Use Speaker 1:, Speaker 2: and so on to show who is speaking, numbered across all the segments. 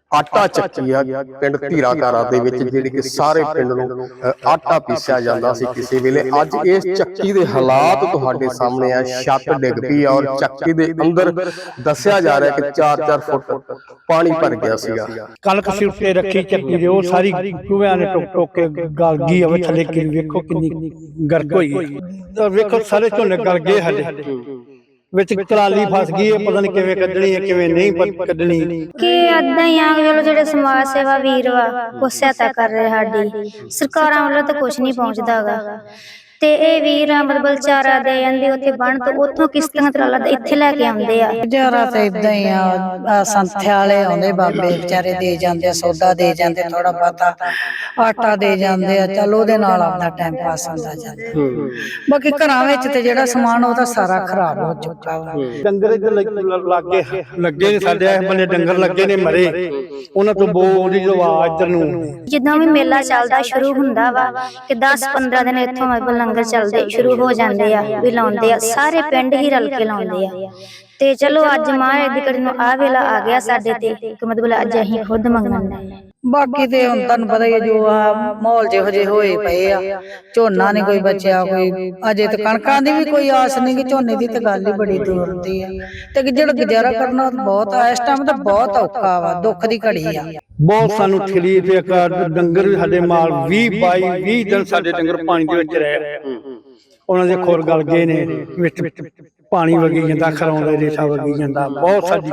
Speaker 1: ਆਟਾ ਚੱਕੀ ਆ ਪਿੰਡ ਧੀਰਾਕਾਰਾ ਦੇ ਵਿੱਚ ਜਿਹੜੀ ਕਿ ਸਾਰੇ ਪਿੰਡ ਨੂੰ ਆਟਾ ਪੀਸਿਆ ਜਾਂਦਾ ਸੀ ਕਿਸੇ ਵੇਲੇ। ਅੱਜ ਇਸ ਚੱਕੀ ਦੇ ਹਾਲਾਤ ਤੁਹਾਡੇ ਸਾਹਮਣੇ ਆ। ਛੱਤ ਡਿੱਗ ਪਈ ਆ ਔਰ ਚੱਕੀ ਦੇ ਅੰਦਰ ਦੱਸਿਆ ਜਾ ਰਿਹਾ ਕਿ 4-4 ਫੁੱਟ ਪਾਣੀ ਭਰ ਗਿਆ ਸੀਗਾ।
Speaker 2: ਕਣਕ ਸਿਰ ਤੇ ਰੱਖੀ ਚੱਕੀ ਦੇ ਉਹ ਸਾਰੀ ਚੂਹਿਆਂ ਨੇ ਟੁੱਕ ਟੁੱਕ ਕੇ ਗਲ ਗਈ ਆ। ਥੱਲੇ ਕਿ ਵੇਖੋ ਕਿੰਨੀ ਗਰਕ ਹੋਈ, ਵੇਖੋ ਸਾਰੇ ਝੋਨੇ ਗਲ ਗਏ ਹਲੇ ਵਿੱਚ ਕਲਾਲੀ ਫਸ ਗਈ ਹੈ। ਪਤਾ ਨਹੀਂ ਕਿਵੇਂ ਕੱਢਣੀ ਹੈ ਕਿਵੇਂ ਨਹੀਂ ਕੱਢਣੀ
Speaker 3: ਕਿ ਏਦਾਂ ਹੀ ਆ। ਚਲੋ ਜਿਹੜੇ ਸਮਾਜ ਸੇਵਾ ਵੀਰ ਵਾ ਉਹ ਸਹਾਇਤਾ ਕਰ ਰਹੇ ਸਾਡੀ, ਸਰਕਾਰਾਂ ਵੱਲੋਂ ਤਾਂ ਕੁਛ ਨਹੀਂ ਪਹੁੰਚਦਾ ਗਾ। ਤੇ ਇਹ ਵੀਰ ਮਤਲਬ ਚਾਰਾ ਦੇ ਜਾਂਦੇ ਉੱਥੇ ਬਣ ਤੋਂ ਉੱਥੋਂ ਕਿਸ਼ਤੀਆਂ ਤਰਾਲਾ ਇੱਥੇ ਲੈ ਕੇ ਆਉਂਦੇ ਆ।
Speaker 4: ਗੁਜ਼ਾਰਾ ਤਾਂ ਇਦਾਂ ਹੀ ਆ। ਸੰਥਿਆ ਵਾਲੇ ਆਉਂਦੇ ਬਾਬੇ ਵਿਚਾਰੇ ਦੇ ਜਾਂਦੇ, ਸੌਦਾ ਦੇ ਜਾਂਦੇ, ਥੋੜਾ ਬਹੁਤਾ ਆਟਾ ਦੇ ਜਾਂਦੇ ਆ। ਚਲ ਉਹਦੇ ਨਾਲ ਆਪਣਾ ਟਾਈਮ ਪਾਸ ਹੁੰਦਾ ਜਾਂਦਾ। ਬਾਕੀ ਘਰਾਂ ਵਿੱਚ ਤੇ ਜਿਹੜਾ ਸਮਾਨ ਉਹ ਤਾਂ ਸਾਰਾ ਖਰਾਬ ਹੋ ਚੁੱਕਾ ਵਾ।
Speaker 2: ਡੰਗਰ ਇੱਧਰ ਲੱਗੇ ਨੇ ਸਾਡੇ ਇਸ ਬੰਨੇ, ਡੰਗਰ ਲੱਗੇ ਨੇ ਮਰੇ, ਉਹਨਾਂ ਤੋਂ ਬੋਲੀ ਜੋ ਆਵਾਜ਼ ਇੱਧਰ ਨੂੰ।
Speaker 3: ਜਿੱਦਾਂ ਵੀ ਮੇਲਾ ਚੱਲਦਾ ਸ਼ੁਰੂ ਹੁੰਦਾ ਵਾ ਕਿ 10-15 ਦਿਨ ਇੱਥੋਂ ਮਤਲਬ ਲੰਗਰ ਚੱਲਦੇ ਸ਼ੁਰੂ ਹੋ ਜਾਂਦੇ ਆ, ਵੀ ਲਾਉਂਦੇ ਆ, ਸਾਰੇ ਪਿੰਡ ਹੀ ਰਲ ਕੇ ਲਾਉਂਦੇ ਆ। ਤੇ ਚਲੋ ਅੱਜ ਮਹਾਰਾਜ ਦੀ ਕੜੀ ਨੂੰ ਆ ਵੇਲਾ ਆ ਗਿਆ ਸਾਡੇ ਤੇ ਕਿ ਮਤਲਬ ਅੱਜ ਅਸੀਂ ਖੁਦ ਮੰਗਣ ਆਏ।
Speaker 4: ਬਾਕੀ ਤੇ ਹੁਣ ਤੁਹਾਨੂੰ ਪਤਾ ਹੀ ਹੈ ਜੋ ਆ ਮਾਹੌਲ ਜਿਹੋ ਜਿਹੇ ਹੋਏ ਪਏ ਆ। ਝੋਨਾ ਨਹੀਂ ਕੋਈ ਬਚਿਆ, ਕੋਈ ਅਜੇ ਤੇ ਕਣਕਾਂ ਦੀ ਵੀ ਕੋਈ ਆਸ ਨਹੀਂ ਕਿ ਝੋਨੇ ਦੀ ਤੇ ਗੱਲ ਹੀ ਬੜੀ ਦੂਰ ਦੀ ਆ। ਤੇ ਜਿਹੜਾ ਗੁਜ਼ਾਰਾ ਕਰਨਾ ਬਹੁਤ ਆ ਇਸ ਟਾਈਮ ਤਾਂ ਬਹੁਤ ਔਖਾ ਵਾ, ਦੁੱਖ ਦੀ ਘੜੀ ਆ।
Speaker 2: ਬਹੁਤ ਸਾਨੂੰ ਤਕਲੀਫ ਹੈ। ਡੰਗਰ ਵੀ ਸਾਡੇ ਮਾਲ 20 ਦਿਨ ਸਾਡੇ ਡੰਗਰ ਪਾਣੀ ਦੇ ਵਿੱਚ ਰਹੇ, ਉਹਨਾਂ ਦੇ ਖੁਰ ਗਲ ਗਏ ਨੇ, ਵਿੱਚ ਪਾਣੀ ਵਗੀ ਜਾਂਦਾ, ਖਰਾਉਂਦਾ ਰੇਸ਼ਾ ਵਗੀ ਜਾਂਦਾ। ਬਹੁਤ ਸਾਡੀ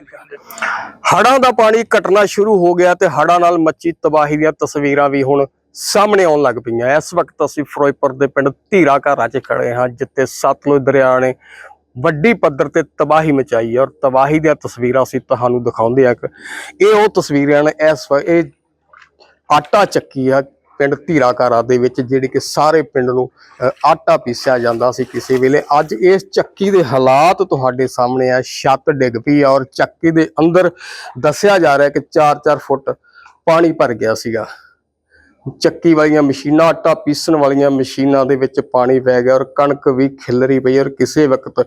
Speaker 1: ਹੜ੍ਹਾਂ ਦਾ ਪਾਣੀ ਘਟਣਾ ਸ਼ੁਰੂ ਹੋ ਗਿਆ ਤੇ ਹੜ੍ਹਾਂ ਨਾਲ ਮੱਚੀ ਤਬਾਹੀ ਦੀਆਂ ਤਸਵੀਰਾਂ ਵੀ ਹੁਣ ਸਾਹਮਣੇ ਆਉਣ ਲੱਗ ਪਈਆਂ। ਇਸ ਵਕਤ ਅਸੀਂ ਫਿਰੋਜ਼ਪੁਰ ਦੇ ਪਿੰਡ ਧੀਰਾਕਾਰਾ 'ਚ ਖੜੇ ਹਾਂ, ਜਿੱਥੇ ਸਤਲੁਜ ਦਰਿਆ ਨੇ ਵੱਡੀ ਪੱਧਰ ਤੇ ਤਬਾਹੀ ਮਚਾਈ ਹੈ ਔਰ ਤਬਾਹੀ ਦੀਆਂ ਤਸਵੀਰਾਂ ਅਸੀਂ ਤੁਹਾਨੂੰ ਦਿਖਾਉਂਦੇ ਆ। ਇਹ ਉਹ ਤਸਵੀਰਾਂ ਨੇ, ਇਹ ਆਟਾ ਚੱਕੀ ਆ ਪਿੰਡ ਧੀਰਾਕਾਰਾ ਦੇ ਵਿੱਚ ਜਿਹੜੀ ਕਿ ਸਾਰੇ ਪਿੰਡ ਨੂੰ ਆਟਾ ਪੀਸਿਆ ਜਾਂਦਾ ਸੀ ਕਿਸੇ ਵੇਲੇ। ਅੱਜ ਇਸ ਚੱਕੀ ਦੇ ਹਾਲਾਤ ਤੁਹਾਡੇ ਸਾਹਮਣੇ ਆ। ਛੱਤ ਡਿੱਗ ਪਈ ਆ ਔਰ ਚੱਕੀ ਦੇ ਅੰਦਰ ਦੱਸਿਆ ਜਾ ਰਿਹਾ ਕਿ 4-4 ਫੁੱਟ ਪਾਣੀ ਭਰ ਗਿਆ ਸੀਗਾ। ਚੱਕੀ ਵਾਲੀਆਂ ਮਸ਼ੀਨਾਂ, ਆਟਾ ਪੀਸਣ ਵਾਲੀਆਂ ਮਸ਼ੀਨਾਂ ਦੇ ਵਿੱਚ ਪਾਣੀ ਪੈ ਗਿਆ ਔਰ ਕਣਕ ਵੀ ਖਿਲਰੀ ਪਈ। ਔਰ ਕਿਸੇ ਵਕਤ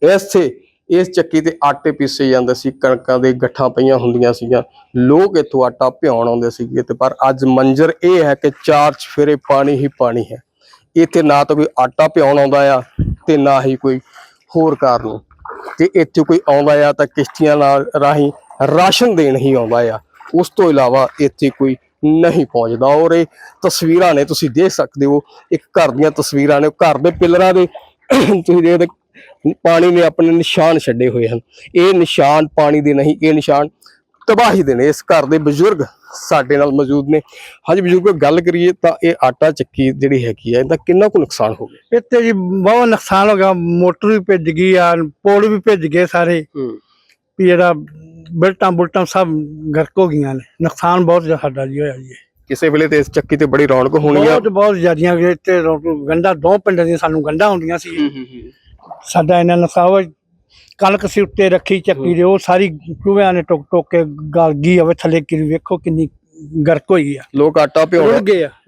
Speaker 1: ਇਸ ਚੱਕੀ ਤੇ ਆਟੇ ਪੀਸੇ ਜਾਂਦੇ ਸੀ, ਕਣਕਾਂ ਦੇ ਗੱਠਾਂ ਪਈਆਂ ਹੁੰਦੀਆਂ ਸੀਗੀਆਂ, ਲੋਕ ਇੱਥੋਂ ਆਟਾ ਭਿਉਣ ਆਉਂਦੇ ਸੀਗੇ। ਤੇ ਪਰ ਅੱਜ ਮੰਜ਼ਰ ਇਹ ਹੈ ਕਿ 4 ਚੁਫੇਰੇ ਪਾਣੀ ਹੀ ਪਾਣੀ ਹੈ। ਇੱਥੇ ਨਾ ਤਾਂ ਕੋਈ ਆਟਾ ਭਿਉਣ ਆਉਂਦਾ ਆ ਤੇ ਨਾ ਹੀ ਕੋਈ ਹੋਰ ਕਾਰਨ। ਤੇ ਇੱਥੇ ਕੋਈ ਆਉਂਦਾ ਆ ਤਾਂ ਕਿਸ਼ਤੀਆਂ ਨਾਲ ਰਾਹੀਂ ਰਾਸ਼ਨ ਦੇਣ ਹੀ ਆਉਂਦਾ ਆ, ਉਸ ਤੋਂ ਇਲਾਵਾ ਇੱਥੇ ਕੋਈ ਨਹੀਂ ਪਹੁੰਚਦਾ। ਔਰ ਇਹ ਤਸਵੀਰਾਂ ਨੇ, ਤੁਸੀਂ ਦੇਖ ਸਕਦੇ ਹੋ, ਇੱਕ ਘਰ ਦੀਆਂ ਤਸਵੀਰਾਂ ਨੇ। ਘਰ ਦੇ ਪਿੱਲਰਾਂ ਦੇ ਤੁਸੀਂ ਦੇਖਦੇ ਪਾਣੀ ਨੇ ਆਪਣੇ ਨਿਸ਼ਾਨ ਛੱਡੇ ਹੋਏ ਹਨ। ਇਹ ਨਿਸ਼ਾਨ ਪਾਣੀ ਦੇ ਨਹੀਂ, ਇਹ ਨਿਸ਼ਾਨ ਤਬਾਹੀ ਦੇ ਨੇ। ਇਸ ਘਰ ਦੇ ਬਜ਼ੁਰਗ ਸਾਡੇ ਨਾਲ ਮੌਜੂਦ ਨੇ। ਹਾਂਜੀ ਬਜ਼ੁਰਗ, ਗੱਲ ਕਰੀਏ ਤਾਂ ਇਹ ਆਟਾ ਚੱਕੀ ਜਿਹੜੀ ਹੈਗੀ ਆ, ਇਹਦਾ ਕਿੰਨਾ ਕੁ ਨੁਕਸਾਨ ਹੋ ਗਿਆ?
Speaker 2: ਇੱਥੇ ਜੀ ਬਹੁਤ ਨੁਕਸਾਨ ਹੋ ਗਿਆ। ਮੋਟਰ ਵੀ ਭਿੱਜ ਗਈ ਆ, ਪੋਲ ਵੀ ਭਿੱਜ ਗਏ ਸਾਰੇ, ਵੀ ਜਿਹੜਾ ਬੁਲਟਾਂ ਸਭ ਗਰਕ ਹੋ ਗਈਆਂ ਨੇ। ਨੁਕਸਾਨ ਬਹੁਤ ਸਾਡਾ ਜੀ ਹੋਇਆ ਜੀ।
Speaker 1: ਕਿਸੇ ਵੇਲੇ ਤੇ ਇਸ ਚੱਕੀ ਤੇ ਬੜੀ ਰੌਣਕ ਹੋਣੀ ਆ,
Speaker 2: ਬਹੁਤ ਜ਼ਿਆਦੀਆਂ। ਇੱਥੇ ਗੰਢਾਂ 2 ਪਿੰਡਾਂ ਦੀਆਂ ਸਾਨੂੰ ਗੰਢਾਂ ਹੁੰਦੀਆਂ ਸੀ। ਸਾਡਾ ਇਹਨਾਂ ਨੁਕਸਾਨ ਹੋਇਆ। ਕਣਕ ਸਿਰ ਤੇ ਰੱਖੀ ਚੱਕੀ ਦੇ ਉਹ ਸਾਰੀ ਚੂਹਿਆਂ ਨੇ ਟੁੱਕ ਟੁੱਕ ਕੇ ਗਲ ਗਈ ਆ। ਥੱਲੇ ਕਿ ਵੇਖੋ ਕਿੰਨੀ ਗਰਕ ਹੋਈ ਆ।
Speaker 1: ਲੋਕ ਆਟਾ ਭਿਉਣ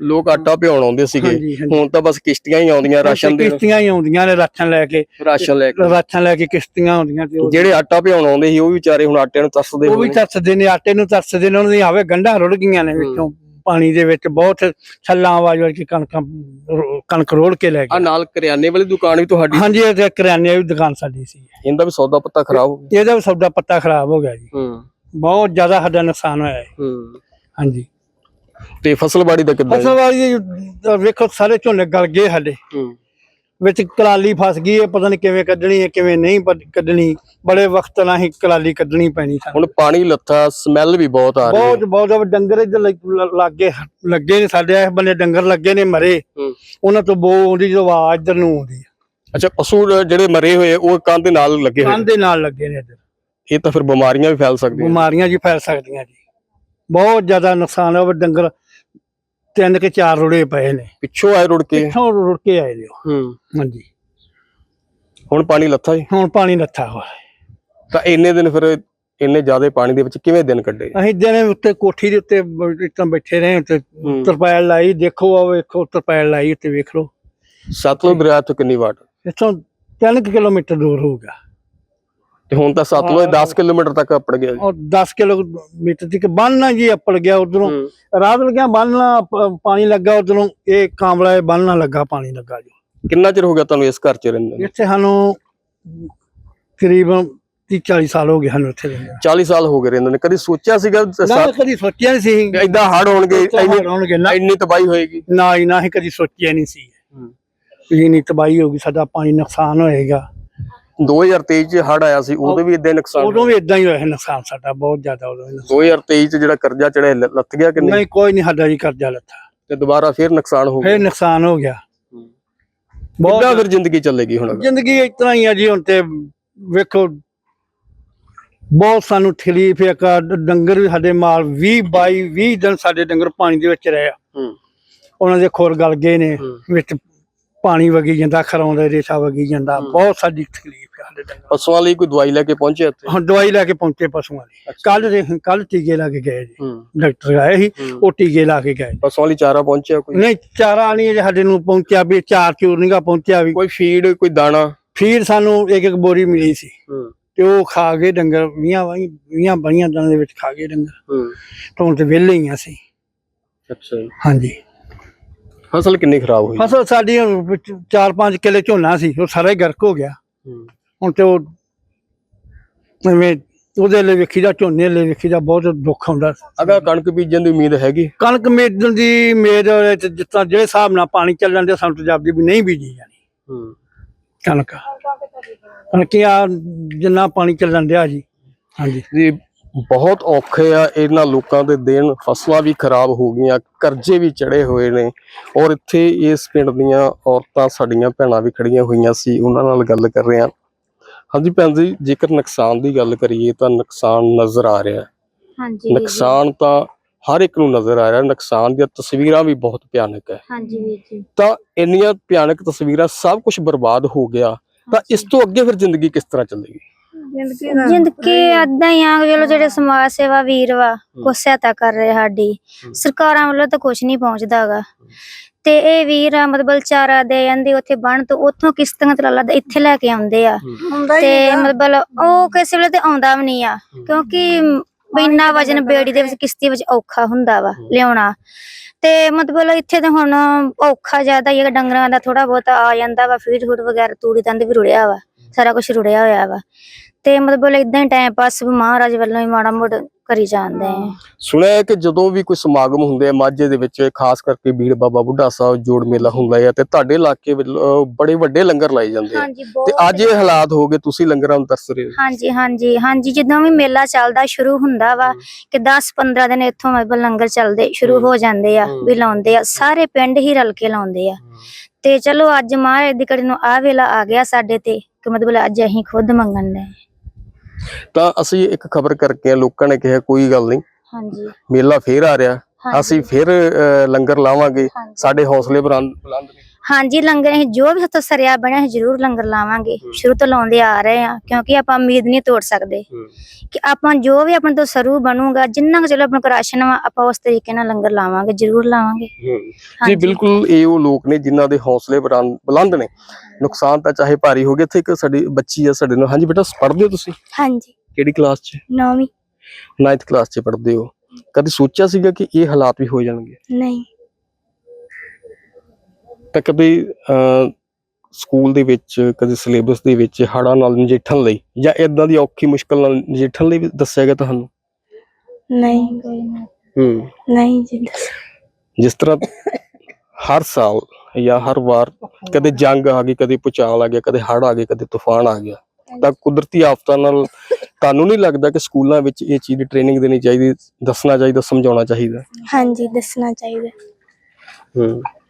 Speaker 1: ਆਉਂਦੇ ਸੀਗੇ, ਹੁਣ ਤਾਂ ਬਸ ਕਿਸ਼ਤੀਆਂ ਹੀ ਆਉਂਦੀਆਂ,
Speaker 2: ਕਿਸ਼ਤੀਆਂ ਹੀ ਆਉਂਦੀਆਂ ਨੇ ਰਾਸ਼ਨ ਲੈ ਕੇ ਕਿਸ਼ਤੀਆਂ ਆਉਂਦੀਆਂ।
Speaker 1: ਜਿਹੜੇ ਆਟਾ ਭਿਉਣ ਆਉਂਦੇ ਸੀ ਉਹ ਵੀ ਵਿਚਾਰੇ ਹੁਣ ਆਟੇ ਨੂੰ ਤਰਸਦੇ,
Speaker 2: ਉਹ ਵੀ ਤਰਸਦੇ ਨੇ, ਆਟੇ ਨੂੰ ਤਰਸਦੇ ਨੇ। ਉਹਨਾਂ ਦੀ ਆਵੇ ਗੰਢਾਂ ਰੁੜ ਗਈਆਂ ਨੇ ਵਿੱਚੋਂ ਪਾਣੀ ਦੇ ਵਿੱਚ। ਬਹੁਤ ਛੱਲਾਂ ਆਵਾਜ਼ ਵਰ ਕੇ ਕਣਕ ਰੋੜ ਕੇ ਲੈ ਗਏ।
Speaker 1: ਨਾਲ ਕਰਿਆਨੇ ਵਾਲੀ ਦੁਕਾਨ ਵੀ ਤੁਹਾਡੀ?
Speaker 2: ਹਾਂਜੀ, ਇਹ ਕਰਿਆਨੇ ਵਾਲੀ ਦੁਕਾਨ ਸਾਡੀ ਸੀ।
Speaker 1: ਇਹਦਾ ਵੀ ਸੌਦਾ ਪੱਤਾ ਖਰਾਬ ਹੋ ਗਿਆ?
Speaker 2: ਇਹਦਾ ਵੀ ਸੌਦਾ ਪੱਤਾ ਖਰਾਬ ਹੋ ਗਿਆ ਜੀ। ਬਹੁਤ ਜ਼ਿਆਦਾ ਸਾਡਾ ਨੁਕਸਾਨ ਹੋਇਆ ਹੈ। ਹਾਂਜੀ।
Speaker 1: ਤੇ ਫਸਲਬਾੜੀ ਦਾ ਕਿੱਦਾਂ?
Speaker 2: ਫਸਲਬਾੜੀ ਵੇਖੋ ਸਾਰੇ ਝੋਨੇ ਗਲ ਗਏ ਸਾਡੇ, ਵਿੱਚ ਕਲਾਲੀ ਫਸ ਗਈ ਹੈ। ਪਤਾ ਨਹੀਂ ਕਿਵੇਂ ਕੱਢਣੀ ਹੈ ਕਿਵੇਂ ਨਹੀਂ ਕੱਢਣੀ। ਬੜੇ ਵਕਤ ਨਾਲ ਹੀ ਕਲਾਲੀ ਕੱਢਣੀ ਪੈਣੀ।
Speaker 1: ਹੁਣ ਪਾਣੀ ਲੱਥਾ, ਸਮੈਲ ਵੀ ਬਹੁਤ ਆ ਰਹੀ ਹੈ।
Speaker 2: ਬਹੁਤ ਡੰਗਰ ਇੱਧਰ ਲੱਗੇ ਨੇ ਸਾਡੇ ਇਸ ਬੰਨੇ, ਡੰਗਰ ਲੱਗੇ ਨੇ ਮਰੇ, ਉਹਨਾਂ ਤੋਂ ਆਉਂਦੀ ਜੋ ਆਵਾਜ਼ ਇੱਧਰ ਨੂੰ ਆਉਂਦੀ।
Speaker 1: ਅੱਛਾ, ਪਸ਼ੂ ਜਿਹੜੇ ਮਰੇ ਹੋਏ ਉਹ ਕੰਨ ਦੇ ਨਾਲ ਲੱਗੇ ਹੋਏ?
Speaker 2: ਕੰਨ ਦੇ ਨਾਲ ਲੱਗੇ ਨੇ ਇੱਧਰ।
Speaker 1: ਇਹ ਤਾਂ ਫਿਰ ਬਿਮਾਰੀਆਂ ਵੀ ਫੈਲ ਸਕਦੀਆਂ?
Speaker 2: ਬਿਮਾਰੀਆਂ ਜੀ ਫੈਲ ਸਕਦੀਆਂ ਜੀ। ਬਹੁਤ ਜ਼ਿਆਦਾ ਨੁਕਸਾਨ ਹੈ। ਡੰਗਰ 3 ਕੇ 4 ਰੁੜੇ ਪਏ ਨੇ।
Speaker 1: ਪਿੱਛੋਂ ਆਏ ਰੁੜ ਕੇ?
Speaker 2: ਪਿੱਛੋਂ ਰੁੜ ਕੇ ਆਏ ਨੇ। ਹਾਂਜੀ।
Speaker 1: ਹੁਣ ਪਾਣੀ ਲੱਥਾ ਜੀ?
Speaker 2: ਹੁਣ ਪਾਣੀ ਲੱਥਾ ਹੋਇਆ।
Speaker 1: ਤਾਂ ਇੰਨੇ ਦਿਨ ਫਿਰ ਇੰਨੇ ਜ਼ਿਆਦਾ ਪਾਣੀ ਦੇ ਵਿੱਚ ਕਿਵੇਂ ਦਿਨ ਕੱਢੇ?
Speaker 2: ਅਸੀਂ ਦਿਨ ਉੱਤੇ ਕੋਠੀ ਦੇ ਉੱਤੇ ਬੈਠੇ ਰਹੇ, ਉੱਤੇ ਤਰਪਾਲ ਲਾਈ। ਦੇਖੋ ਆ ਵੇਖੋ, ਤਰਪਾਲ ਲਾਈ ਉੱਤੇ ਵੇਖ ਲਓ।
Speaker 1: ਸਤਲੁਜ ਦਰਿਆ ਤੋਂ ਕਿੰਨੀ ਵਾਟ?
Speaker 2: ਇੱਥੋਂ 3 ਕਿਲੋਮੀਟਰ ਦੂਰ ਹੋਊਗਾ।
Speaker 1: ਤੇ ਹੁਣ ਤਾਂ ਸਤਲੁਜ 10 ਕਿਲੋਮੀਟਰ ਤੱਕ ਅੱਪੜ ਗਿਆ ਜੀ।
Speaker 2: ਔਰ 10 ਕਿਲੋਮੀਟਰ ਤੱਕ ਬੰਨ੍ਹਣਾ ਜੀ ਅੱਪੜ ਗਿਆ ਉਧਰੋਂ। ਰਾਤ ਲੱਗਿਆ ਬੰਨ੍ਹਣਾ ਪਾਣੀ ਲੱਗਾ ਉਧਰੋਂ, ਇਹ ਕਾਂਵਲਾ ਬੰਨ੍ਹਣਾ ਲੱਗਾ ਪਾਣੀ ਲੱਗਾ ਜੀ।
Speaker 1: ਕਿੰਨਾ ਚਿਰ ਹੋ ਗਿਆ ਤੁਹਾਨੂੰ ਇਸ ਘਰ 'ਚ ਰਹਿੰਦੇ ਨੂੰ?
Speaker 2: ਇੱਥੇ ਸਾਨੂੰ ਤਕਰੀਬਨ 30-40 ਸਾਲ ਹੋ ਗਏ ਸਾਨੂੰ ਇੱਥੇ ਰਹਿੰਦੇ।
Speaker 1: 40 ਸਾਲ ਹੋ ਗਏ ਰਹਿੰਦੇ ਨੇ। ਕਦੀ ਸੋਚਿਆ ਸੀਗਾ
Speaker 2: ਨਾ ਕਦੀ ਸੋਚਿਆ ਨਹੀਂ ਸੀ
Speaker 1: ਏਦਾਂ ਹੜ੍ਹ ਹੋਣਗੇ,
Speaker 2: ਹੋਣਗੇ ਨਾ,
Speaker 1: ਇੰਨੀ ਤਬਾਹੀ ਹੋਏਗੀ?
Speaker 2: ਨਾ ਹੀ ਨਾ ਹੀ ਕਦੀ ਸੋਚਿਆ ਨਹੀਂ ਸੀ ਇੰਨੀ ਤਬਾਹੀ ਹੋਗੀ, ਸਾਡਾ ਪਾਣੀ ਨੁਕਸਾਨ ਹੋਏਗਾ।
Speaker 1: 2023 ਚ ਹੜ੍ਹ ਆਇਆ ਸੀ, ਉਦੋਂ ਵੀ ਇਦਾਂ ਨੁਕਸਾਨ?
Speaker 2: ਉਦੋਂ ਵੀ ਇਦਾਂ ਹੀ ਹੋਇਆ ਨੁਕਸਾਨ ਸਾਡਾ ਬਹੁਤ ਜ਼ਿਆਦਾ। ਉਦੋਂ
Speaker 1: 2023 ਚ ਜਿਹੜਾ ਕਰਜ਼ਾ ਚੜਿਆ ਲੱਥ ਗਿਆ ਕਿ ਨਹੀਂ?
Speaker 2: ਨਹੀਂ, ਕੋਈ ਨਹੀਂ ਸਾਡਾ ਜੀ ਕਰਜ਼ਾ ਲੱਥਾ,
Speaker 1: ਤੇ ਦੁਬਾਰਾ ਫੇਰ ਨੁਕਸਾਨ ਹੋ ਗਿਆ?
Speaker 2: ਫੇਰ ਨੁਕਸਾਨ ਹੋ ਗਿਆ
Speaker 1: ਬਹੁਤ। ਫਿਰ ਜ਼ਿੰਦਗੀ ਚੱਲੇਗੀ ਹੁਣ?
Speaker 2: ਜ਼ਿੰਦਗੀ ਇਸ ਤਰ੍ਹਾਂ ਹੀ ਆ ਜੀ। ਹੁਣ ਤੇ ਵੇਖੋ ਬਹੁਤ ਸਾਨੂੰ ਤਕਲੀਫ ਹੈ। ਡੰਗਰ ਵੀ ਸਾਡੇ ਮਾਲ 20 ਦਿਨ ਸਾਡੇ ਡੰਗਰ ਪਾਣੀ ਦੇ ਵਿੱਚ ਰਹੇ ਆ। ਉਹਨਾਂ ਦੇ ਖੁਰ ਗਲ ਗਏ ਨੇ, ਵਿੱਚ ਪਾਣੀ ਵਗੀ ਜਾਂਦਾ, ਖਰਾਉਂਦਾ ਰੇਸ਼ਾ ਵਗੀ ਜਾਂਦਾ। ਬਹੁਤ ਸਾਡੀ ਤਕਲੀਫ ਹੈ ਸਾਡੇ ਡੰਗਰ।
Speaker 1: ਪਸ਼ੂਆਂ ਲਈ ਕੋਈ ਦਵਾਈ ਲੈ ਕੇ ਪਹੁੰਚੇ ਇੱਥੇ?
Speaker 2: ਹਾਂ, ਦਵਾਈ ਲੈ ਕੇ ਪਹੁੰਚੇ ਪਸ਼ੂਆਂ ਲਈ। ਕੱਲ ਟੀਕੇ ਲਾ ਕੇ ਗਏ ਜੀ, ਡਾਕਟਰ ਆਏ ਸੀ, ਉਹ ਟੀਕੇ ਲਾ ਕੇ ਗਏ।
Speaker 1: ਪਸ਼ੂਆਂ ਲਈ ਚਾਰਾ ਪਹੁੰਚਿਆ ਕੋਈ?
Speaker 2: ਨਹੀਂ, ਚਾਰਾ ਨਹੀਂ ਅਜੇ ਸਾਡੇ ਨੂੰ ਪਹੁੰਚਿਆ, ਵੀ ਚਾਰ ਚੂਰ ਨੀਗਾ ਪਹੁੰਚਿਆ ਵੀ।
Speaker 1: ਕੋਈ ਫੀਡ, ਕੋਈ ਦਾਣਾ?
Speaker 2: ਫੀਡ ਸਾਨੂੰ ਇੱਕ ਬੋਰੀ ਮਿਲੀ ਸੀ, ਤੇ ਉਹ ਖਾ ਗਏ ਡੰਗਰ। 20 22 ਦਿਨਾਂ ਦੇ ਵਿੱਚ ਖਾ ਗਏ ਡੰਗਰ। ਤਾਂ ਹੁਣ ਤੇ ਵਿਹਲੇ ਹੀ ਆ ਅਸੀਂ।
Speaker 1: ਅੱਛਾ ਜੀ।
Speaker 2: ਹਾਂਜੀ।
Speaker 1: ਫਸਲ ਕਿੰਨੀ ਖਰਾਬ ਹੋਈ?
Speaker 2: ਫਸਲ ਸਾਡੀ 4-5 ਕਿੱਲੇ ਝੋਨਾ ਸੀ, ਉਹ ਸਾਰਾ ਹੀ ਗਰਕ ਹੋ ਗਿਆ। ਹੁਣ ਤੇ ਉਹ ਐਵੇਂ ਉਹਦੇ ਲਈ ਵੇਖੀ ਦਾ, ਝੋਨੇ ਲਈ ਵੇਖੀ ਦਾ, ਬਹੁਤ ਦੁੱਖ ਆਉਂਦਾ।
Speaker 1: ਅਗਾ ਕਣਕ ਬੀਜਣ ਦੀ ਉਮੀਦ ਹੈਗੀ?
Speaker 2: ਕਣਕ ਬੀਜਣ ਦੀ ਉਮੀਦ ਜਿਸ ਤਰ੍ਹਾਂ ਜਿਹੜੇ ਹਿਸਾਬ ਨਾਲ ਪਾਣੀ ਚੱਲਣ ਦੇ, ਸਾਨੂੰ ਤਜਾਬਦੀ ਵੀ ਨਹੀਂ ਬੀਜੀ ਜਾਣੀ ਕਣਕ। ਕਣਕੀਆਂ ਜਿੰਨਾ ਪਾਣੀ ਚੱਲਣ ਦਿਆ ਜੀ। ਹਾਂਜੀ
Speaker 1: ਜੀ, ਬਹੁਤ ਔਖੇ ਆ ਇਹਨਾਂ ਲੋਕਾਂ ਦੇ ਦਿਨ। ਫਸਲਾਂ ਵੀ ਖਰਾਬ ਹੋ ਗਈਆਂ, ਕਰਜ਼ੇ ਵੀ ਚੜੇ ਹੋਏ ਨੇ। ਔਰ ਇੱਥੇ ਇਸ ਪਿੰਡ ਦੀਆਂ ਔਰਤਾਂ, ਸਾਡੀਆਂ ਭੈਣਾਂ ਵੀ ਖੜੀਆਂ ਹੋਈਆਂ ਸੀ, ਉਹਨਾਂ ਨਾਲ ਗੱਲ ਕਰ ਰਹੇ ਹਾਂ। ਹਾਂਜੀ ਭੈਣ ਜੀ, ਜੇਕਰ ਨੁਕਸਾਨ ਦੀ ਗੱਲ ਕਰੀਏ ਤਾਂ ਨੁਕਸਾਨ ਨਜ਼ਰ ਆ ਰਿਹਾ।
Speaker 3: ਹਾਂਜੀ,
Speaker 1: ਨੁਕਸਾਨ ਤਾਂ ਹਰ ਇੱਕ ਨੂੰ ਨਜ਼ਰ ਆ ਰਿਹਾ। ਨੁਕਸਾਨ ਦੀਆਂ ਤਸਵੀਰਾਂ ਵੀ ਬਹੁਤ ਭਿਆਨਕ ਹੈ।
Speaker 3: ਹਾਂਜੀ ਵੀਰ ਜੀ।
Speaker 1: ਤਾਂ ਇੰਨੀਆਂ ਭਿਆਨਕ ਤਸਵੀਰਾਂ, ਸਭ ਕੁਝ ਬਰਬਾਦ ਹੋ ਗਿਆ, ਤਾਂ ਇਸ ਤੋਂ ਅੱਗੇ ਫਿਰ ਜ਼ਿੰਦਗੀ ਕਿਸ ਤਰ੍ਹਾਂ ਚੱਲੇਗੀ?
Speaker 3: ਜ਼ਿੰਦਗੀ ਏਦਾਂ ਹੀ ਆ। ਚਲੋ ਜਿਹੜੇ ਸਮਾਜ ਸੇਵਾ ਵੀਰ ਵਾ, ਕੁਛ ਸਹਾਇਤਾ ਕਰ ਰਹੇ ਸਾਡੀ, ਸਰਕਾਰਾਂ ਵੱਲੋਂ ਤਾਂ ਕੁਛ ਨਹੀਂ ਪਹੁੰਚਦਾ ਹੈਗਾ। ਤੇ ਇਹ ਵੀਰ ਆ ਮਤਲਬ ਚਾਰਾ ਦੇ ਜਾਂਦੇ ਉੱਥੇ ਬੰਨ ਤੋਂ, ਉੱਥੋਂ ਕਿਸ਼ਤੀਆਂ ਤਰਾਲਾ ਇੱਥੇ ਲੈ ਕੇ ਆਉਂਦੇ ਆ। ਤੇ ਮਤਲਬ ਉਹ ਕਿਸੇ ਵੇਲੇ ਤੇ ਆਉਂਦਾ ਵੀ ਨਹੀਂ ਆ, ਕਿਉਂਕਿ ਇੰਨਾ ਵਜਨ ਬੇੜੀ ਦੇ ਵਿੱਚ, ਕਿਸ਼ਤੀ ਵਿੱਚ ਔਖਾ ਹੁੰਦਾ ਵਾ ਲਿਆਉਣਾ। ਤੇ ਮਤਲਬ ਇੱਥੇ ਤੇ ਹੁਣ ਔਖਾ ਜ਼ਿਆਦਾ ਹੀ ਹੈ। ਡੰਗਰਾਂ ਦਾ ਥੋੜਾ ਬਹੁਤਾ ਆ ਜਾਂਦਾ ਵਾ, ਫੀਡ ਫੂਡ ਵਗੈਰਾ, ਤੂੜੀ ਤੰਦ ਵੀ ਰੁੜਿਆ ਵਾ, ਸਾਰਾ ਕੁਛ ਰੁੜਿਆ ਹੋਇਆ ਵਾ। ਤੇ ਮਤਲਬ ਏਦਾਂ ਹੀ ਟਾਈਮ ਪਾਸ ਮਹਾਰਾਜ ਵੱਲੋਂ ਹੀ ਮਾੜਾ ਮੋੜ ਕਰੀ ਜਾਂਦੇ ਆ।
Speaker 1: ਸੁਣਿਆ ਕਿ ਜਦੋਂ ਵੀ ਕੋਈ ਸਮਾਗਮ ਹੁੰਦੇ ਆ ਮਾਝੇ ਦੇ ਵਿੱਚ, ਖਾਸ ਕਰਕੇ ਬੀੜ ਬਾਬਾ ਬੁੱਢਾ ਸਾਹਿਬ ਜੋੜ ਮੇਲਾ ਹੁੰਦਾ ਹੈ, ਤੇ ਤੁਹਾਡੇ ਇਲਾਕੇ ਵਿੱਚ ਬੜੇ ਵੱਡੇ ਲੰਗਰ ਲਾਏ ਜਾਂਦੇ ਆ। ਤੇ ਅੱਜ ਇਹ ਹਾਲਾਤ ਹੋ ਗਏ, ਤੁਸੀਂ ਲੰਗਰਾਂ ਨੂੰ ਤਰਸ ਰਹੇ ਹੋ?
Speaker 3: ਹਾਂਜੀ ਹਾਂਜੀ ਹਾਂਜੀ। ਜਦੋਂ ਵੀ ਮੇਲਾ ਚੱਲਦਾ ਸ਼ੁਰੂ ਹੁੰਦਾ ਵਾ ਕਿ 10-15 ਦਿਨ ਇੱਥੋਂ ਮਤਲਬ ਲੰਗਰ ਚੱਲਦੇ ਸ਼ੁਰੂ ਹੋ ਜਾਂਦੇ ਆ, ਵੀ ਲਾਉਂਦੇ ਆ, ਸਾਰੇ ਪਿੰਡ ਹੀ ਰਲ ਕੇ ਲਾਉਂਦੇ ਆ। ਤੇ ਚਲੋ ਅੱਜ ਮਹਾਰਾਜ ਦੀ ਕੜੀ ਨੂੰ ਆ ਵੇਲਾ ਆ ਗਿਆ ਸਾਡੇ ਤੇ, ਕਿ ਮਤਲਬ ਅੱਜ ਅਸੀਂ ਖੁਦ ਮੰਗਣ ਦੇ।
Speaker 1: ਤਾਂ ਅਸੀਂ ਇੱਕ ਖਬਰ ਕਰਕੇ ਲੋਕਾਂ ਨੇ ਕਿਹਾ ਕੋਈ ਗੱਲ ਨਹੀਂ,
Speaker 3: ਹਾਂਜੀ,
Speaker 1: ਮੇਲਾ ਫੇਰ ਆ ਰਿਹਾ, ਅਸੀਂ ਫਿਰ ਲੰਗਰ ਲਾਵਾਂਗੇ, ਸਾਡੇ ਹੌਸਲੇ ਬੁਲੰਦ ਨੇ।
Speaker 3: ਹਾਂਜੀ, ਲੰਗਰ ਅਸੀਂ ਜੋ ਵੀ ਸਾਤੋਂ ਸਰਿਆ ਬਣਿਆ ਅਸੀਂ ਜ਼ਰੂਰ ਲੰਗਰ ਲਾਵਾਂਗੇ। ਸ਼ੁਰੂ ਤੋਂ ਲਾਉਂਦੇ ਆ ਰਹੇ ਆ, ਕਿਉਂਕਿ ਆਪਾਂ ਉਮੀਦ ਨਹੀਂ ਤੋੜ ਸਕਦੇ ਕਿ ਆਪਾਂ ਜੋ ਵੀ ਆਪਣੇ ਤੋਂ ਸਰੂ ਬਣੂਗਾ, ਜਿੰਨਾ ਕੁ ਚਲੋ ਆਪਣੇ ਕੋਲ ਰਾਸ਼ਨ ਵਾ, ਆਪਾਂ ਉਸ ਤਰੀਕੇ ਨਾਲ ਲੰਗਰ ਲਾਵਾਂਗੇ, ਜ਼ਰੂਰ ਲਾਵਾਂਗੇ।
Speaker 1: ਜੀ ਬਿਲਕੁਲ, ਇਹ ਉਹ ਲੋਕ ਨੇ ਜਿਨ੍ਹਾਂ ਦੇ ਹੌਸਲੇ ਬੁਲੰਦ ਨੇ। ਨੁਕਸਾਨ ਤਾਂ ਚਾਹੇ ਭਾਰੀ ਹੋ ਗਿਆ। ਇੱਥੇ ਇੱਕ ਸਾਡੀ ਬੱਚੀ ਆ ਸਾਡੇ ਨਾਲ। ਹਾਂਜੀ ਬੇਟਾ, ਪੜ੍ਹਦੇ ਹੋ ਤੁਸੀਂ?
Speaker 3: ਹਾਂਜੀ।
Speaker 1: ਕਿਹੜੀ ਕਲਾਸ 'ਚ?
Speaker 3: 9ਵੀਂ।
Speaker 1: 9th ਕਲਾਸ 'ਚ ਪੜ੍ਹਦੇ ਹੋ। ਕਦੇ ਸੋਚਿਆ ਸੀਗਾ ਕਿ ਇਹ ਹਾਲਾਤ ਵੀ ਹੋ ਜਾਣਗੇ?
Speaker 3: ਨਹੀਂ।
Speaker 1: ਤਾਂ ਕਦੇ ਸਕੂਲ ਦੇ ਵਿੱਚ, ਕਦੇ ਸਿਲੇਬਸ ਦੇ ਵਿੱਚ ਹੜ੍ਹਾਂ ਨਾਲ ਨਜਿੱਠਣ ਲਈ ਜਾਂ ਇਦਾਂ ਦੀ ਔਖੀ ਮੁਸ਼ਕਲ ਨਾਲ ਨਜਿੱਠਣ ਲਈ ਵੀ ਦੱਸਿਆ ਗਿਆ ਤੁਹਾਨੂੰ?
Speaker 3: ਨਹੀਂ ਨਹੀਂ ਜੀ।
Speaker 1: ਜਿਸ ਤਰ੍ਹਾਂ ਹਰ ਸਾਲ ਜਾਂ ਹਰ ਵਾਰ ਕਦੇ ਜੰਗ ਆ ਗਈ, ਕਦੇ ਭੂਚਾਲ ਆ ਗਿਆ, ਕਦੇ ਹੜ੍ਹ ਆ ਗਏ, ਕਦੇ ਤੂਫਾਨ ਆ ਗਿਆ, ਤਾਂ ਕੁਦਰਤੀ ਆਫਤਾਂ ਨਾਲ ਤੁਹਾਨੂੰ ਨਹੀਂ ਲੱਗਦਾ ਕਿ ਸਕੂਲਾਂ ਵਿੱਚ ਇਹ ਚੀਜ਼ ਦੀ ਟ੍ਰੇਨਿੰਗ ਦੇਣੀ ਚਾਹੀਦੀ, ਦੱਸਣਾ ਚਾਹੀਦਾ, ਸਮਝਾਉਣਾ ਚਾਹੀਦਾ?
Speaker 3: ਹਾਂਜੀ, ਦੱਸਣਾ ਚਾਹੀਦਾ।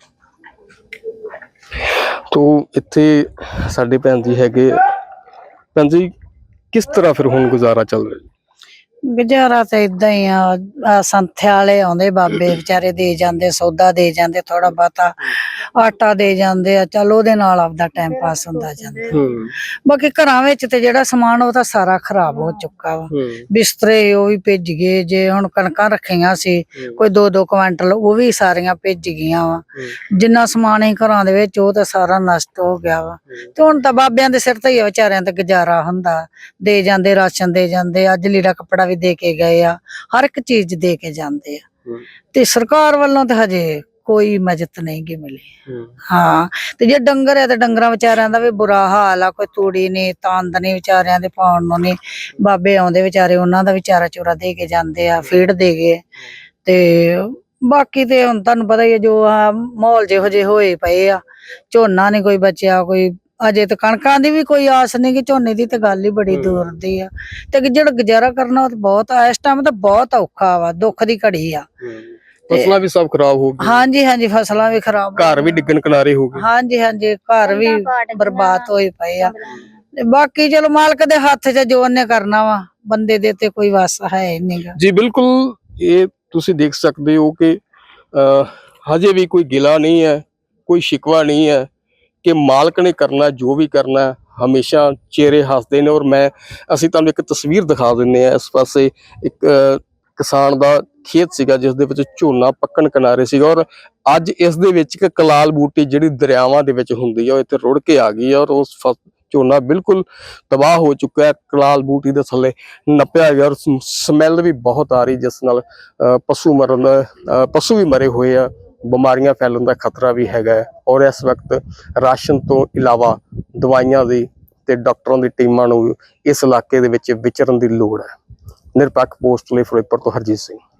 Speaker 1: ਤੋ ਇੱਥੇ ਸਾਡੇ ਭੈਣ ਜੀ ਹੈਗੇ। ਭੈਣ ਜੀ, ਕਿਸ ਤਰ੍ਹਾਂ ਫਿਰ ਹੁਣ ਗੁਜ਼ਾਰਾ ਚੱਲ ਰਿਹਾ?
Speaker 4: ਗੁਜ਼ਾਰਾ ਤਾਂ ਇਦਾਂ ਹੀ ਆ ਸੰਥਿਆ ਵਾਲੇ ਆਉਂਦੇ ਬਾਬੇ ਵਿਚਾਰੇ ਦੇ ਜਾਂਦੇ, ਸੌਦਾ ਦੇ ਜਾਂਦੇ, ਥੋੜਾ ਬਹੁਤਾ ਆਟਾ ਦੇ ਜਾਂਦੇ ਆ, ਚਲ ਉਹਦੇ ਨਾਲ ਆਪਦਾ ਟਾਈਮ ਪਾਸ ਹੁੰਦਾ ਜਾਂਦਾ। ਬਾਕੀ ਘਰਾਂ ਵਿੱਚ ਤੇ ਜਿਹੜਾ ਸਮਾਨ ਉਹ ਤਾਂ ਸਾਰਾ ਖਰਾਬ ਹੋ ਚੁੱਕਾ ਵਾ। ਬਿਸਤਰੇ ਉਹ ਵੀ ਭਿੱਜ ਗਏ, ਜੇ ਹੁਣ ਕਣਕਾਂ ਰੱਖੀਆਂ ਸੀ ਕੋਈ 2-2 ਕੁਇੰਟਲ ਉਹ ਵੀ ਸਾਰੀਆਂ ਭਿੱਜ ਗਈਆਂ ਵਾ। ਜਿੰਨਾ ਸਮਾਨ ਹੀ ਘਰਾਂ ਦੇ ਵਿੱਚ ਉਹ ਤਾਂ ਸਾਰਾ ਨਸ਼ਟ ਹੋ ਗਿਆ ਵਾ। ਤੇ ਹੁਣ ਤਾਂ ਬਾਬਿਆਂ ਦੇ ਸਿਰ ਤੇ ਹੀ ਆ ਵਿਚਾਰਿਆਂ ਤੇ ਗੁਜ਼ਾਰਾ ਹੁੰਦਾ, ਦੇ ਜਾਂਦੇ, ਰਾਸ਼ਨ ਦੇ ਜਾਂਦੇ, ਅੱਜ ਲੀੜਾ ਕੱਪੜਾ ਵੀ ਦੇ ਕੇ ਗਏ ਆ, ਹਰ ਇੱਕ ਚੀਜ਼ ਦੇ ਕੇ ਜਾਂਦੇ ਆ। ਤੇ ਸਰਕਾਰ ਵੱਲੋਂ ਤਾਂ ਹਜੇ ਕੋਈ ਮਦਦ ਨਹੀਂ ਗੀ ਮਿਲੀ। ਹਾਂ, ਤੇ ਜੇ ਡੰਗਰ ਹੈ ਤੇ ਡੰਗਰਾਂ ਵਿਚਾਰਿਆਂ ਦਾ ਵੀ ਬੁਰਾ ਹਾਲ ਆ, ਕੋਈ ਤੂੜੀ ਨੀ, ਤੰਦ ਨੀ ਵਿਚਾਰਿਆਂ ਦੇ ਪਾਉਣ ਨੂੰ ਨੀ। ਬਾਬੇ ਆਉਂਦੇ ਵਿਚਾਰੇ, ਉਹਨਾਂ ਦਾ ਵਿਚਾਰਾ ਚੋਰਾ ਦੇ ਕੇ ਜਾਂਦੇ ਆ, ਫੀਡ ਦੇ ਗਏ। ਤੇ ਬਾਕੀ ਤੇ ਹੁਣ ਤੁਹਾਨੂੰ ਪਤਾ ਹੀ ਹੈ, ਜੋ ਆ ਮਾਹੌਲ ਜਿਹੋ ਜਿਹੇ ਹੋਏ ਪਏ ਆ, ਝੋਨਾ ਨੀ ਕੋਈ ਬਚਿਆ, ਕੋਈ ਅਜੇ ਤੇ ਕਣਕਾਂ ਦੀ ਵੀ ਕੋਈ ਆਸ ਨਹੀਂ ਕਿ ਝੋਨੇ ਦੀ ਤੇ ਗੱਲ ਹੀ ਬੜੀ ਦੂਰ ਦੀ ਆ। ਤੇ ਜਿਹੜਾ ਗੁਜ਼ਾਰਾ ਕਰਨਾ ਉਹ ਤਾਂ ਬਹੁਤ ਆ, ਇਸ ਟਾਈਮ ਤਾਂ ਬਹੁਤ ਔਖਾ ਵਾ, ਦੁੱਖ ਦੀ ਘੜੀ ਆ।
Speaker 1: ਫਸਲਾਂ ਵੀ ਸਭ ਖਰਾਬ ਹੋ ਗਈਆਂ,
Speaker 4: ਹਾਂਜੀ, ਫਸਲਾਂ ਵੀ ਖਰਾਬ,
Speaker 1: ਘਰ ਵੀ ਡਿੱਗਣ ਕਿਨਾਰੇ ਹੋ ਗਏ।
Speaker 4: ਹਾਂਜੀ, ਘਰ ਵੀ ਬਰਬਾਦ ਹੋਏ ਪਏ ਆ। ਤੇ ਬਾਕੀ ਚਲੋ ਮਾਲਕ ਦੇ ਹੱਥ 'ਚ ਜੋ ਉਹਨੇ ਕਰਨਾ ਵਾ, ਬੰਦੇ ਦੇ ਤੇ ਕੋਈ ਵਸ ਹੈ ਨਹੀਂਗਾ।
Speaker 1: ਜੀ ਬਿਲਕੁਲ, ਇਹ ਤੁਸੀਂ ਦੇਖ ਸਕਦੇ ਹੋ ਕਿ ਹਜੇ ਵੀ ਕੋਈ ਗਿਲਾ ਨਹੀਂ ਹੈ, ਕੋਈ ਸ਼ਿਕਵਾ ਨਹੀਂ ਹੈ ਕਿ ਮਾਲਕ ਨੇ ਕਰਨਾ ਜੋ ਵੀ ਕਰਨਾ, ਹਮੇਸ਼ਾ ਚਿਹਰੇ ਹੱਸਦੇ ਨੇ। ਔਰ ਅਸੀਂ ਤੁਹਾਨੂੰ ਇੱਕ ਤਸਵੀਰ ਦਿਖਾ ਦਿੰਦੇ ਆ। ਇਸ ਪਾਸੇ ਇੱਕ ਕਿਸਾਨ ਦਾ ਖੇਤ ਸੀਗਾ ਜਿਸ ਦੇ ਵਿੱਚ ਝੋਨਾ ਪੱਕਣ ਕਿਨਾਰੇ ਸੀਗਾ, ਔਰ ਅੱਜ ਇਸ ਦੇ ਵਿੱਚ ਇੱਕ ਕਲਾਲ ਬੂਟੀ ਜਿਹੜੀ ਦਰਿਆਵਾਂ ਦੇ ਵਿੱਚ ਹੁੰਦੀ ਆ ਉਹ ਇੱਥੇ ਰੁੜ ਕੇ ਆ ਗਈ ਹੈ, ਔਰ ਉਸ ਝੋਨਾ ਬਿਲਕੁਲ ਤਬਾਹ ਹੋ ਚੁੱਕਾ ਹੈ। ਕਲਾਲ ਬੂਟੀ ਦੇ ਥੱਲੇ ਨੱਪਿਆ ਗਿਆ, ਔਰ ਸਮੈਲ ਵੀ ਬਹੁਤ ਆ ਰਹੀ, ਜਿਸ ਨਾਲ ਪਸ਼ੂ ਵੀ ਮਰੇ ਹੋਏ ਆ, ਬਿਮਾਰੀਆਂ ਫੈਲਣ ਦਾ ਖਤਰਾ ਵੀ ਹੈਗਾ। ਔਰ ਇਸ ਵਕਤ ਰਾਸ਼ਨ ਤੋਂ ਇਲਾਵਾ ਦਵਾਈਆਂ ਦੀ ਤੇ ਡਾਕਟਰਾਂ ਦੀ ਟੀਮਾਂ ਨੂੰ ਇਸ ਇਲਾਕੇ ਦੇ ਵਿੱਚ ਵਿਚਰਨ ਦੀ ਲੋੜ ਹੈ। ਨਿਰਪੱਖ ਪੋਸਟ ਲਈ ਫਿਰੋਜ਼ਪੁਰ ਤੋਂ ਹਰਜੀਤ ਸਿੰਘ।